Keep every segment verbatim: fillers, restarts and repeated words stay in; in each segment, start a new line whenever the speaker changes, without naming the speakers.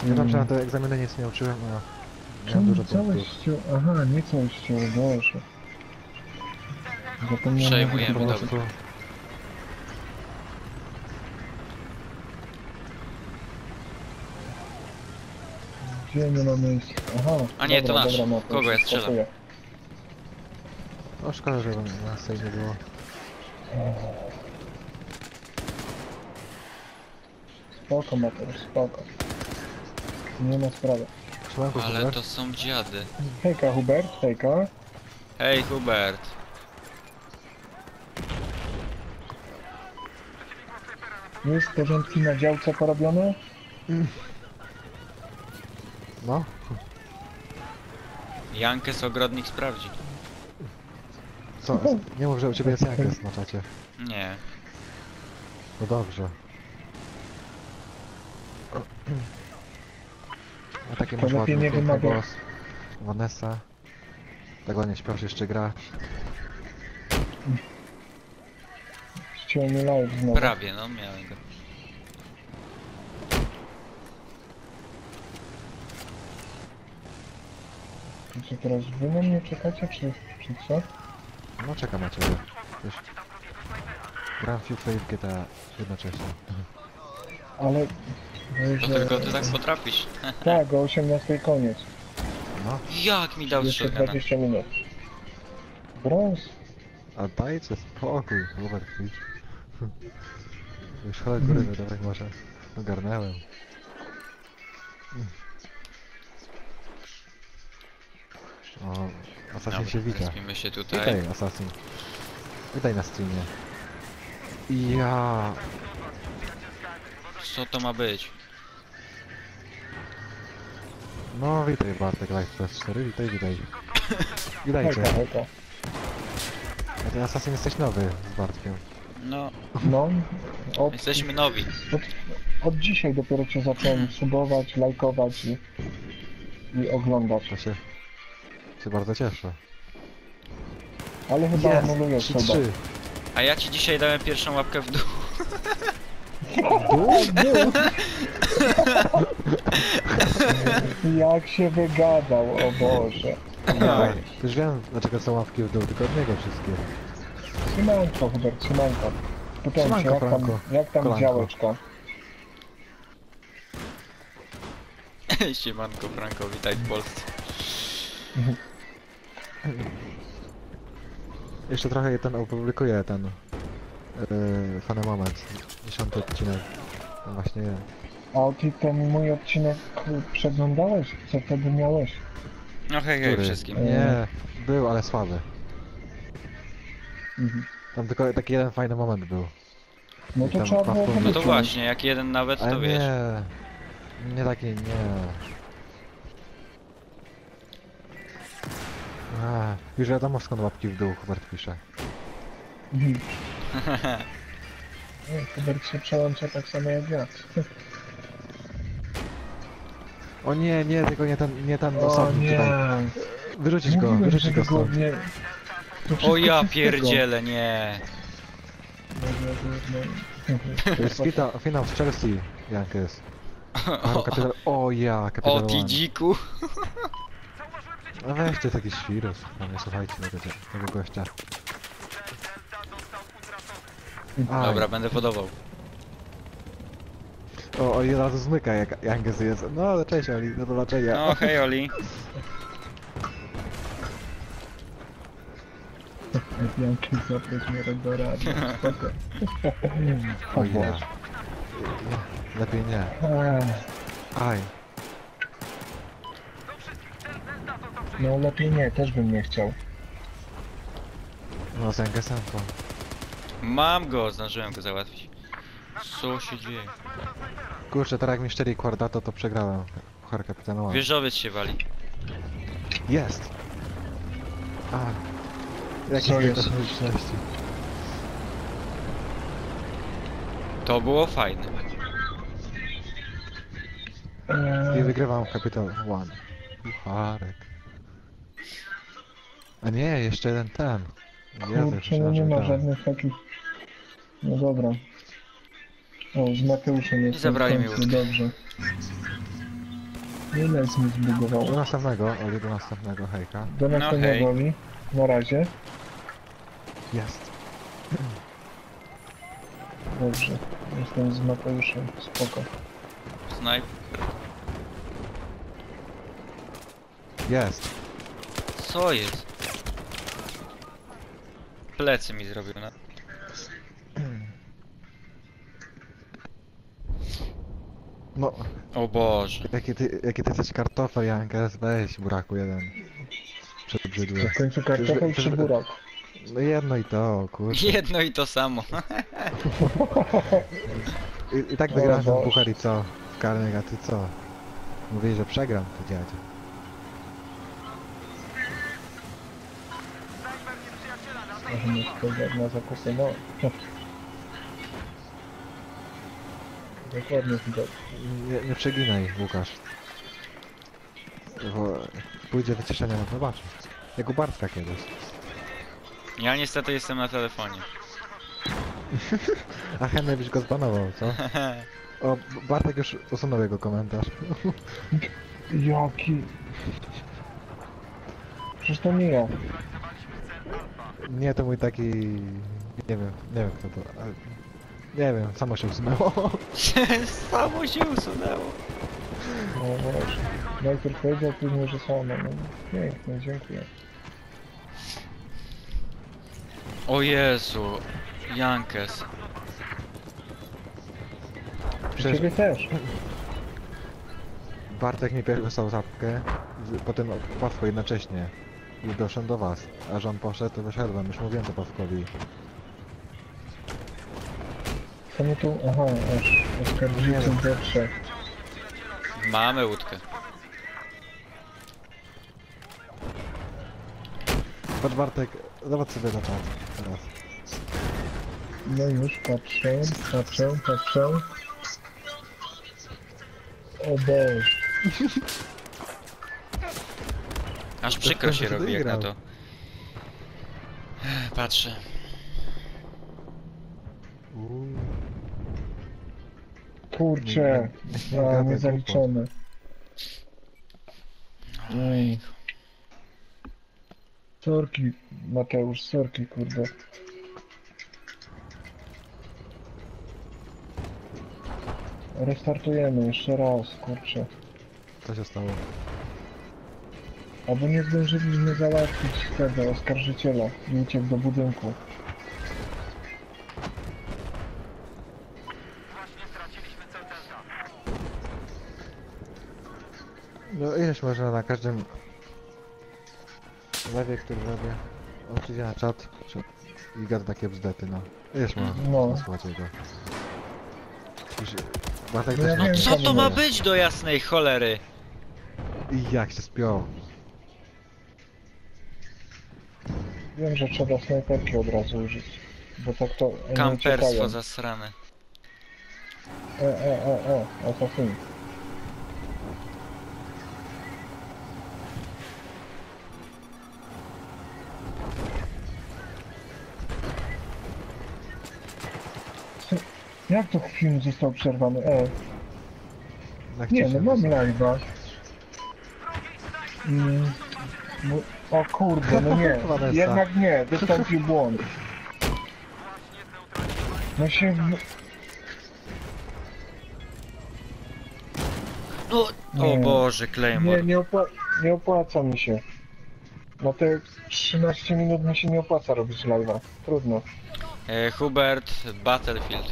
Ja tam się na te egzaminy nic nie uczyłem, a miałem
Czemu
dużo
całość
punktów.
ściął? Aha, nie całość ściął, Boże. Zapomniałem,
Przejmujemy,
że
Po
to
dobra.
prostu...
Gdzie nie ma miejsca? Aha,
A nie, to
dobra,
nasz.
dobra, no, to
Kogo ja
się
strzelam?
spakuje.
No szkoda, że nas tutaj nie było.
Spoko, Mateusz, spoko. Nie ma sprawy.
Szymanko,
Ale
Hubert?
to są dziady.
Hejka, Hubert, hejka.
Hej, Hubert.
Jest porządki na działce porobione?
No?
Jankes ogrodnik sprawdzi.
Co? Nie mów, że u ciebie jest Jankes na czacie.
Nie.
No dobrze. A takie
To
masz
lepiej
ładny,
nie
piękny
wymaga.
głos. Vanessa. Tak ładnie śpiewasz, jeszcze grasz.
Ściął mi live znowu.
Prawie, no miałem go.
To co teraz, wy na mnie czekacie, czy, czy co?
No czekam na ciebie. Wiesz. Gram w FIFA i w G T A jednocześnie.
Ale...
To
że-
tylko ty tak potrafisz.
Tak, o osiemnastej koniec.
No,
Jak mi dał
Jeszcze
shotguna?
dwadzieścia minut. Brąz?
a dajcie spokój, Robert Twitch. Już chodź góry, tak może. Ogarnęłem. O, Assassin się wita.
Spimy się tutaj.
Witaj, Assassin. Witaj na streamie. Ja.
Co to ma być?
No witaj Bartek Live P S cztery, witaj, witaj. Witajcie.
Hejka, hejka.
A ty Assassin jesteś nowy z Bartkiem.
No,
No, od,
jesteśmy nowi.
od, od dzisiaj dopiero cię zacząłem subować, lajkować i, i oglądać.
To się... się bardzo cieszę.
Ale chyba
Jest!
anulujesz
trzy
chyba.
trzy.
A ja ci dzisiaj dałem pierwszą łapkę w dół.
Dół? Dół?
Jak się wygadał, o Boże.
Ja, już wiem dlaczego są łapki w dół, tylko od niego wszystkie.
Trzymanko, Hubert, trzymanko. Pytałem się,
Trzymanko,
jak tam,
Franko.
jak tam
Kolanko.
działeczka?
Siemanko, Franko, witaj w Polsce.
Jeszcze trochę ten opublikuję ten yy, fany moment. Dziesiąty odcinek. No właśnie ja.
A ty ten mój odcinek przeglądałeś? Co wtedy miałeś?
No hej, hej
Który?
wszystkim.
Nie, był, ale słaby.
Mhm.
Tam tylko taki jeden fajny moment był.
No to
Tam
trzeba było
Pawło-
No to
wyciąć.
właśnie, jak jeden nawet,
Ale
to wiesz.
nie, nie taki, nie. A, już wiadomo skąd łapki w dół Hubert pisze.
Mhm. Nie, Hubert się przełącza tak samo jak ja.
O nie, nie, tylko nie ten, nie ten
O
osobnik
nie!
tutaj. Wyrzucić go,
Mówiłem,
wyrzucić
że
go stąd.
nie... To
O
wszystko
ja
przez
pierdzielę, nie.
tego.
To jest finał, finał z Chelsea, Jankes. O, kapital... o ja,
O
kapital
ty
One.
dziku.
No weźcie taki świrus, no nie słuchajcie tego, tego gościa. Aj.
Dobra, będę podawał.
O, o, i od razu zmyka jak Jankes jest. No ale cześć Oli, do zobaczenia.
No hej Oli.
Janki zaproś mnie do rady. Spoko.
O
O
ja.
Boże.
Lepiej nie.
Ech,
Aj.
No lepiej nie, też bym nie chciał.
No z Jankesem to...
Mam go, zdążyłem go załatwić. Co się dzieje?
Kurczę, teraz jak mi szczeli Quardato, to przegrałem. Puchar kapitana One.
Wieżowiec się wali.
Jest! A. Jakie
Co jest?
okoliczności.
To było fajne.
I
Eee,
wygrywam Capital One. Pucharek. A nie, jeszcze jeden ten. Jezu,
kurczę, no nie
myślałem,
ma
że wygrałem.
żadnych takich... No dobra. O, z Mateuszem jest
zabrali mi
końcu,
łódkę.
dobrze. Ile jest mi
Do
zbugowało?
następnego, Oli, do następnego, hejka.
Do
No
następnego
hej.
mi. Na razie.
Jest.
Dobrze. Jestem z Mateuszem. Spoko.
Snipe.
Jest.
Co jest? Plecy mi zrobił, no.
No,
O Boże.
jakie ty, jakie ty jesteś kartofel, Jankes, weź, buraku jeden. Przebrzydły.
W końcu kartofel czy burak?
No jedno i to, kurczę.
Jedno i to samo.
I, i tak
O
wygrałem ten
Boże.
puchar i co? W karnych, a ty co? Mówili, że przegram, ty dziadzie.
Może mieć pogląd na zakupy, no. Dokładnie widać.
Nie, nie przeginaj, Łukasz. Bo pójdzie wyciszenie, no zobaczysz. Jak u Bartka kiedyś.
Ja niestety jestem na telefonie.
A chętnie byś go zbanował, co? O, Bartek już usunął jego komentarz.
Jaki... Przecież to nie ja.
Nie, to mój taki... Nie wiem, nie wiem kto to... ale... Nie wiem, samo się usunęło.
Samo się usunęło.
No właśnie. Najpierw powiedział, później, że samo. No, pięknie, dziękuję.
O Jezu. Jankes.
Przecież
Ciebie też.
Bartek mi pierwszy wysłał zapkę, z- potem Pawko jednocześnie. I doszedłem do was. A że on poszedł, to wyszedłem. Już mówiłem to Pawkowi.
Co my tu... Aha, aż oskarżyciel do trzech.
Mamy łódkę.
Patrz Bartek, zobacz sobie na czat teraz.
No już, patrzę, patrzę, patrzę. O Boże.
Aż przykro się
Kto
robi jak na
wygrał?
to. Patrzę.
Uuu.
Kurczę.
Nie
A,
gadaj
nie zaliczone. Ej. Sorki, Mateusz, sorki, kurde. Restartujemy jeszcze raz, kurczę.
Co się stało?
Albo nie zdążyliśmy załatwić tego oskarżyciela i uciekł do budynku.
No ileś można na każdym lewie, który robię. On przyjdzie na czat czy... i gada takie bzdety, no. Ileś można
No.
no. słuchać jego. Już... Bartek
No
też
ja
ma...
wiem,
Co to ma
nie.
być do jasnej cholery?
I jak się spiął.
Wiem, że trzeba snajperki od razu użyć. Bo tak to oni
Kamperstwo
uciekają.
zasrane.
E, e, e, e, asasyn. Co- Jak to film został przerwany? E,
Jak
nie
ci
no,
się
mam
wysłał?
live'a. Mm, bo- o kurde, no nie,
Vanessa.
jednak nie, wystąpił błąd. No się... w-
No, o
Nie.
Boże,
Nie,
Claymore.
nie, opła nie opłaca mi się. Na te trzynaście minut mi się nie opłaca robić live'a. Trudno.
E, Hubert, Battlefield.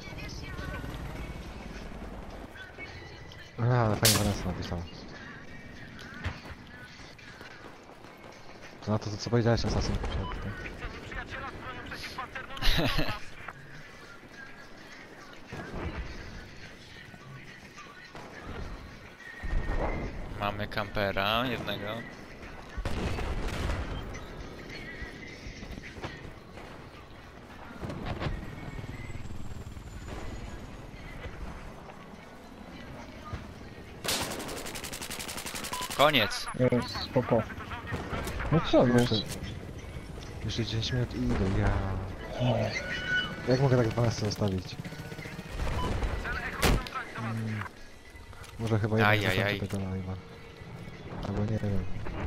A, ale fajnie Vanessa napisała. To na to, co powiedziałeś, Assassin.
Mamy kampera jednego. Koniec.
Jest, spoko. No co
Jeszcze,
jest?
jeszcze dziesięć minut i idę, ja...
No.
Jak mogę tak Vanessa zostawić? Mm. Może chyba jednak
Ajajaj.
zakończę tego live'a. Albo nie wiem.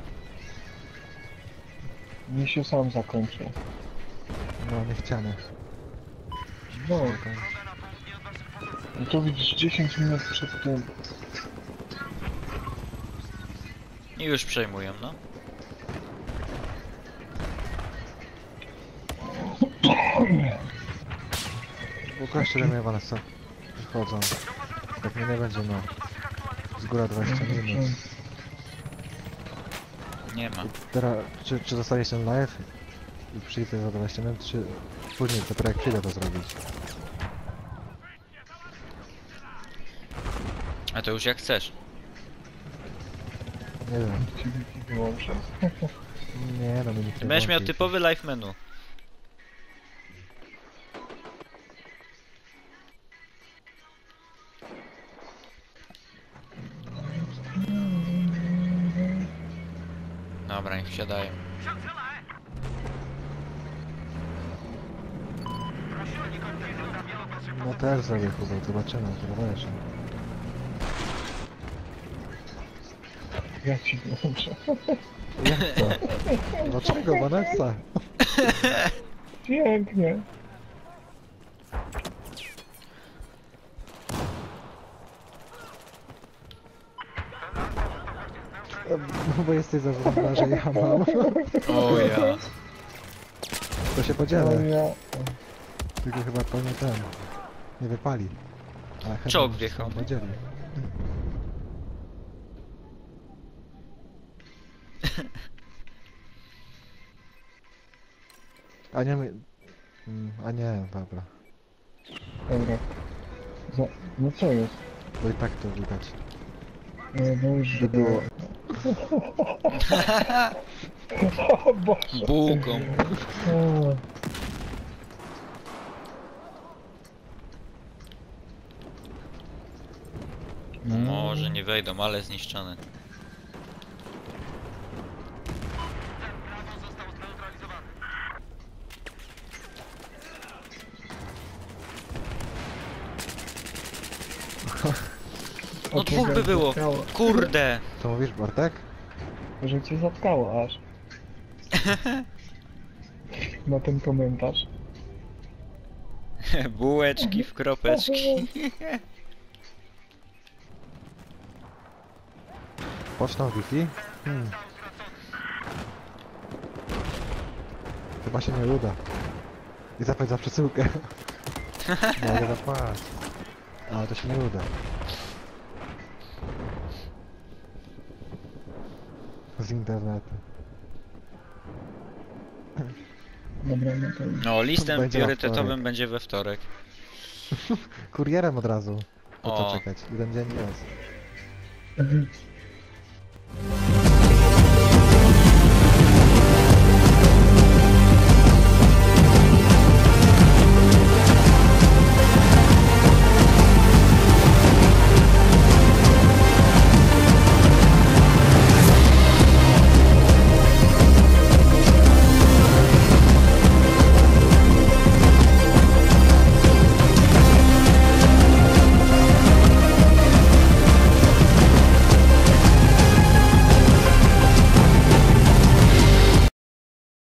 Mi się sam zakończył.
No, niechciane.
No, i tu widzisz dziesięć minut przed tym.
I już przejmują, no.
Ukażcie mnie Vanessa. Wchodzą. Tak mnie nie będzie, no. Z góra dwadzieścia minut.
Nie ma.
I teraz, czy, czy zostanie się live i przyjdę za dwadzieścia minut, czy później, dopiero jak przyjdę to zrobić.
A to już jak chcesz.
Nie wiem.
Ciebie wyłączę.
Nie no, mi nikt nie
Będziesz miał
włączy.
typowy live menu. Dobra, niech wsiadają.
No też zrobię chyba, zobaczymy, zobaczymy.
Ja ci wyłączę.
Jak to? Dlaczego Vanessa?
Pięknie.
No bo jesteś zarządzana, że ja mam.
O ja.
To się
O
podzielę.
ja.
Tylko chyba to nie ten. Nie wypali. Ale chętnie
Czołg
się
wjechał.
podzieli. A nie my... Mm, A nie, dobra.
Dobra. Za... No co jest?
Bo i tak to widać.
No dobrze.
By było.
O Boże.
Bułką.
O.
Może nie wejdą, ale zniszczone. No
O,
dwóch by
cię
było.
zatkało.
Kurde.
Co mówisz, Bartek?
Że cię zatkało aż. Na ten komentarz.
Bułeczki w kropeczki.
Pocztą Wi-Fi? Hmm. Chyba się nie uda. I zapłać za przesyłkę. Mogę zapłacić. Ale to się nie uda. Z internetu.
Dobra, no to...
No, listem
Będzie na
priorytetowym
wtorek.
będzie we wtorek.
Kurierem od razu. Po co
O.
czekać? Jeden dzień jest.
Mhm.